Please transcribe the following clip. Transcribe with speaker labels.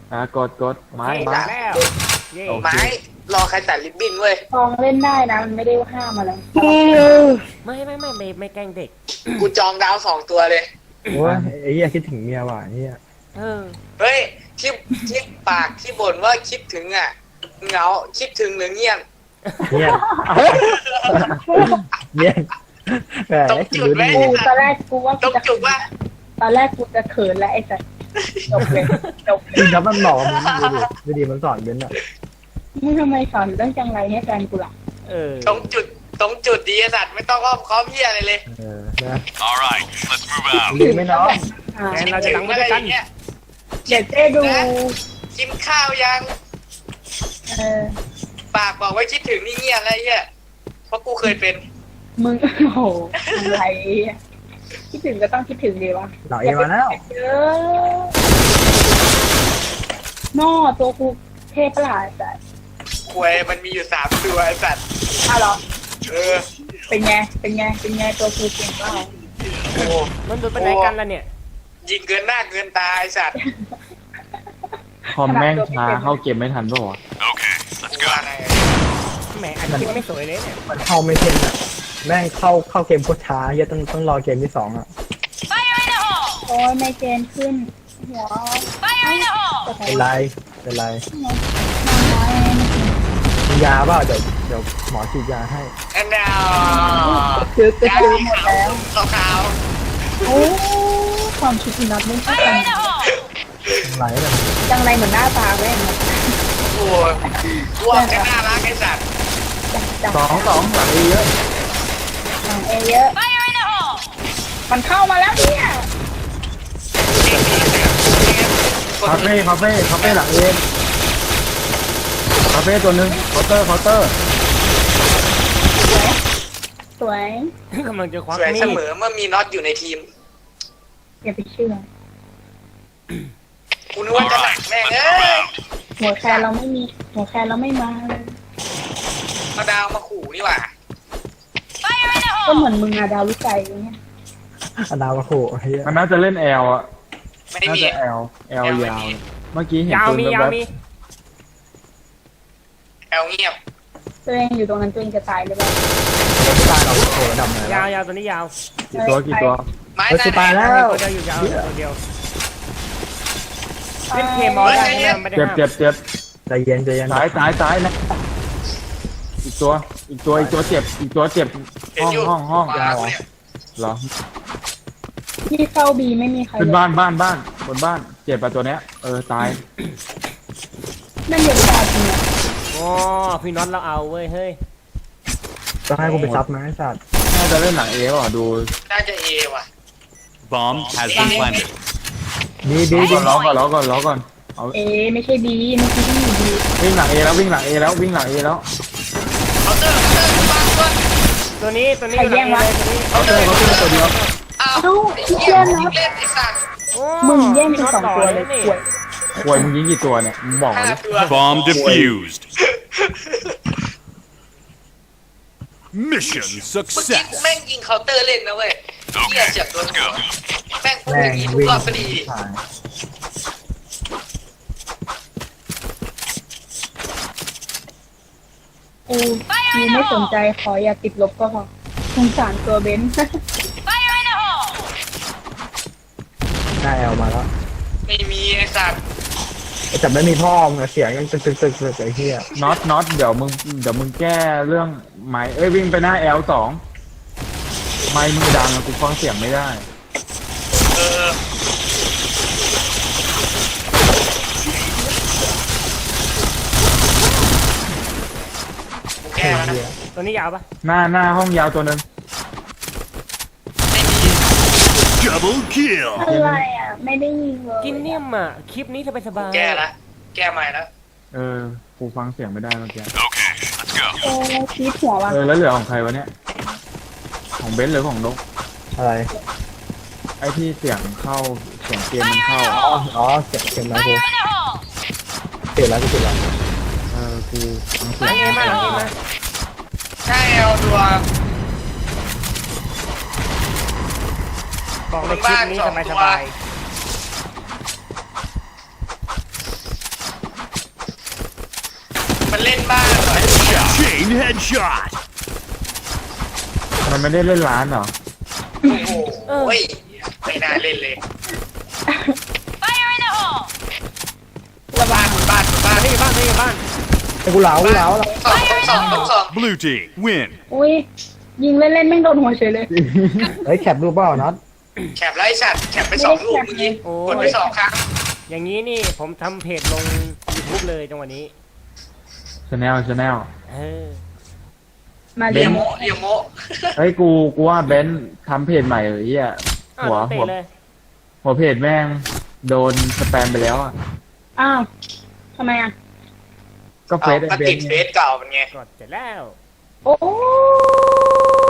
Speaker 1: กดไม้
Speaker 2: ตัดแล้วเย่
Speaker 3: ไม้รอใครตัดริบบิ้นเว้ย
Speaker 4: ทองเล่นได้นะมันไม่ได้ห้ามอะไร
Speaker 2: ไม่แกล้งเด็ก
Speaker 3: กูจองดาว2 ตัวเลย
Speaker 5: โอ้ยไอ้เหี้ยคิดถึงเมียว่ะไอ้เหี้ย
Speaker 2: เออ
Speaker 3: เฮ้ยที่ปากที่บ่นว่าคิดถึงอ่ะเหงาคิดถึงหรือเงียบ
Speaker 5: เมียเมียแหม
Speaker 3: ตรงจุดไหม
Speaker 4: กูตอนแรกกูว่า
Speaker 3: ตรงจุดว่า
Speaker 4: ตอนแรกกูจะเขินแล้วไอ้สัสจบเลยจบ
Speaker 5: จริงครับมันบอกมันดูดีมันสอนเบนอ่ะ
Speaker 4: มึงทำไมสอนเรื่องจังไรให้แฟนกูล่ะ
Speaker 2: เออ
Speaker 3: ตรงจุดดีไอ้สัตว์ไม่ต้องอ้อมค้อมเหี้ยอะไรเลย
Speaker 5: นะ
Speaker 6: All right, let's move out.
Speaker 5: ลืมไหมน้อง
Speaker 4: อ่า
Speaker 2: แทนเราจะตั้งไว้ด้วยกัน
Speaker 3: เงี้ย
Speaker 4: เดี๋ยวเจ๊ดู
Speaker 3: กินข้าวยัง
Speaker 4: เออ
Speaker 3: ปากบอกว่าคิดถึงนี่เงียบอะไรเงี้ยเพราะกูเคยเป็น
Speaker 4: มึงโอ้โหอะไรอ่ะคิดถึงก็ต้องคิดถึงดีวะ
Speaker 5: เราเอมาแล้ว
Speaker 4: เออนอตัวกูเทพประหลาดสัส
Speaker 3: ควยมันมีอยู่3 ตัวไอ้สัตว์
Speaker 4: อ้าวเหรอ
Speaker 3: เออ
Speaker 4: เป็นไงตัวกูเก่งเปล่า
Speaker 3: โอ้
Speaker 2: มันดูไปไหนกันล่ะเนี่ย
Speaker 3: ยิงเกินหน้าเกินตาไอ้สัตว์
Speaker 1: คอมแม่งช้าเข้าเกมไม่ทันป่าวะ
Speaker 6: Okay, let's
Speaker 3: ว่า
Speaker 6: go.
Speaker 3: ไง
Speaker 2: แหมอันคลิปไม่สวยเลยเนี่ย
Speaker 5: มันเข้าไม่เท่นอ่ะแม่งเข้าเกมโคตรช้าเหี้ยต้องรอเกมที่2อ่ะ
Speaker 4: โอ้ยไมเกรนขึ้นหัวจะใส่
Speaker 5: เป็นไรเป็นไร
Speaker 4: น้อยๆไม่กิน
Speaker 5: มียาเปล่าเดี๋ยวหมอฉีดยาให้
Speaker 3: อันดาว
Speaker 4: ซื้อหมดแล้ว
Speaker 3: ขาว
Speaker 4: โอ้ความคิดอีน็อตไม่เข้ากัน
Speaker 5: เป็นไรเนี่ย
Speaker 4: จังไรเหมือนหน้าตาแม่ง
Speaker 3: ๆโอ้ยรวมกันน่ารักไอ้สัตว์
Speaker 4: จัง
Speaker 1: สองหลังเยอะ
Speaker 4: หลังเอเยอะมันเข้ามาแล้วเนี่ย
Speaker 1: คาเฟ่หลังเองคาเฟ่ตัวหนึ่งเคาน์เตอร์
Speaker 4: สวย
Speaker 2: กำลังจะควัก
Speaker 3: สวย
Speaker 2: มี
Speaker 3: เส
Speaker 2: ด
Speaker 3: มอเมื่อมีน็อตอยู่ในทีม
Speaker 4: อย่าไปเชื่อ
Speaker 3: กูนึกว่าจะหนักแม่งเอ้ย
Speaker 4: หัวแคนเราไม่มีหัวแคนเราไม่มาเลย
Speaker 3: มาดาวมาขู่นี่หว่า
Speaker 4: ก็เหมือนมึงอะดาววิจัยอย่างเงี้ย
Speaker 5: อดาวโหเฮีย
Speaker 1: มันน่าจะเล่นแอลอ่ะ
Speaker 3: ไม่ได้
Speaker 1: น่า
Speaker 3: มี
Speaker 1: จะแอลยาวเมื่อกี้เห็น
Speaker 2: ยาว
Speaker 1: ปืน
Speaker 2: มี
Speaker 1: แบ
Speaker 2: ยาว
Speaker 1: บ
Speaker 2: มี
Speaker 3: แอลเงียบ
Speaker 4: ตัวเองอยู่ตรงนั้นตัวเองจะตายหรือเปล่า
Speaker 5: ตาเราโหระดับไหน
Speaker 2: ยาวตัวนี้ยาว
Speaker 1: กี่ตัว
Speaker 3: ไม้
Speaker 5: เฮ้ยจะตายแล้ว
Speaker 2: ตัวเดียวอยู่ยาวตัวเดียวเล่นเคมอลได้ใช่ไหมไม่ได้
Speaker 1: เจ็บ
Speaker 2: ห้าม
Speaker 1: เจ็บ
Speaker 5: ใจเย็นใจเย็น
Speaker 1: ซ้ายนะอีกตัวเจ็บห้อง
Speaker 3: ยาวเนี่ย
Speaker 1: เหรอ
Speaker 4: ที่เข้าบีไม่มีใคร
Speaker 1: ขึ้นบ้านบนบ้านเจ็บป่ะตัวเนี้ยตาย
Speaker 4: นั่นเดี๋ยวดาวจริงอะ
Speaker 2: โอ้พี่น็อตเราเอาเว้ยเฮ้ย
Speaker 5: ต้องให้กูไปซับนะไอ้สัตว์
Speaker 1: น่าจะเล่นหลังเอป่ะดู
Speaker 3: น่าจะเอว่ะ
Speaker 6: Bomb has been planted.
Speaker 5: ดี
Speaker 1: ล้อก่อนเอา
Speaker 4: เอไม่ใช่บีเมื่อกี้ที่อยู่บี
Speaker 1: วิ่งหลังเอแล้ว
Speaker 3: เคาน์เตอร์วางตัว
Speaker 2: ตัวนี้อยู่หลังนี้เลยตัวนี้
Speaker 1: เขาตัวเดียว
Speaker 3: อ้าว
Speaker 4: ดู
Speaker 3: ไอ้
Speaker 4: ที่
Speaker 3: เหี้
Speaker 4: เชื่
Speaker 3: ย
Speaker 4: อนะ
Speaker 3: เล่นไอ้สัตว์
Speaker 2: โอ้
Speaker 4: มึงแย่งเป็น2ตัวเลย
Speaker 2: นี่
Speaker 4: ป่วย
Speaker 1: ควยมึงยิงกี่ตัวเนี่ยมึงบอก
Speaker 3: 5
Speaker 1: เลย
Speaker 3: ตัว
Speaker 6: Bomb defused. Mission
Speaker 3: เมื่อกี้
Speaker 6: success.
Speaker 3: แม่งยิงเคาน์เตอร์เล่นนะเว้ยเหี้ย
Speaker 6: Okay,
Speaker 3: เจ็บโดน
Speaker 6: let's
Speaker 3: หัว
Speaker 6: go.
Speaker 3: แม่งพูด
Speaker 5: แม่
Speaker 3: อย่าง งนี้ทุก
Speaker 5: วิ่ง
Speaker 3: รอบพอดี
Speaker 4: กูไม่สนใจขออย่าติดลบก็พอสงสารตัวเบนซ์
Speaker 5: หน้าแอลมาแล้ว
Speaker 3: ไม่มีไอ้สัตว์
Speaker 5: แต่ไม่มีพ่อมึงเสียงยังตึกไอ้เหี้ย
Speaker 1: น็อตเดี๋ยวมึงแก้เรื่องไม้วิ่งไปหน้า L2 ไม้มึงดังกูฟังเสียงไม่ได้
Speaker 3: เออกูแก้แล้วนะ
Speaker 2: ตัวนี้ยาวปะ
Speaker 1: หน้าห้องยาวตัวนึง
Speaker 3: ไม่มี
Speaker 6: Double kill.
Speaker 4: อะไรอ่ะ ไม่ได้ยิงเลย
Speaker 2: กินเนี่ยมอ่ะคลิปนี้สบาย
Speaker 3: แก้ละแก้ใหม่แล้ว
Speaker 1: กูฟังเสียงไม่ได้เมื่อกี้
Speaker 6: Okay, let's go.
Speaker 4: โอ้ชีดหัวว่ะ
Speaker 1: แล้วเหลือของใครวะเนี่ยของเบนซ์หรือของนก
Speaker 5: อะไร
Speaker 1: ไอ้ที่เสียงเข้าเสียงเกมมันเข้า
Speaker 5: อ๋อเสียงแล้วกูเสียแล้วกู
Speaker 1: กูฟังเสียง
Speaker 2: ๆนี่มานี่มา
Speaker 3: ใช่เอาตัว
Speaker 2: บอกเลยคลิปนี้สบาย
Speaker 6: headshot.
Speaker 1: มันไม่ได้เล่นร้านเหรอ
Speaker 3: โอ้โหไม่น่าเล่นเลย
Speaker 4: ระวัง
Speaker 3: บ้าน
Speaker 2: นี่บ้านนี่บ้าน
Speaker 5: ไอ้กูเหลากูเหลา
Speaker 3: สอง
Speaker 6: Blue team win.
Speaker 4: อุ้ยยิงเล่นๆแม่งโดนหัวเฉยเลย
Speaker 5: เฮ้ยแคปรูปเปล่าน็อต
Speaker 3: แคปไล่สัตว์แคปไป2 ลูกเมื่อกี้กดไป2 ครั้ง
Speaker 2: อย่างนี้นี่ผมทำเพจลง YouTube เลยจังหวะนี้
Speaker 1: ชาแนล
Speaker 2: เออ
Speaker 4: มา
Speaker 3: เรี
Speaker 4: เรี
Speaker 3: ย
Speaker 4: ย
Speaker 3: โม
Speaker 4: ม
Speaker 3: เรียโม
Speaker 1: เฮ้ยกูว่าเบนซ์ทำเพจใหม่เฮีย
Speaker 2: อ้าว
Speaker 1: หัว
Speaker 2: เตะ
Speaker 1: หัว
Speaker 2: เลย
Speaker 1: หัวเพจแม่งโดนสแปมไปแล้วอ่ะ
Speaker 4: อ้าวทำไมอ่ะ
Speaker 1: ก็เฟซไอ้
Speaker 3: ก็
Speaker 1: เบ
Speaker 3: ติ
Speaker 1: น
Speaker 3: ด
Speaker 1: ซ์
Speaker 3: เฟซเก่าเป็นไง
Speaker 2: กดเสร็จแล้ว
Speaker 4: โอ้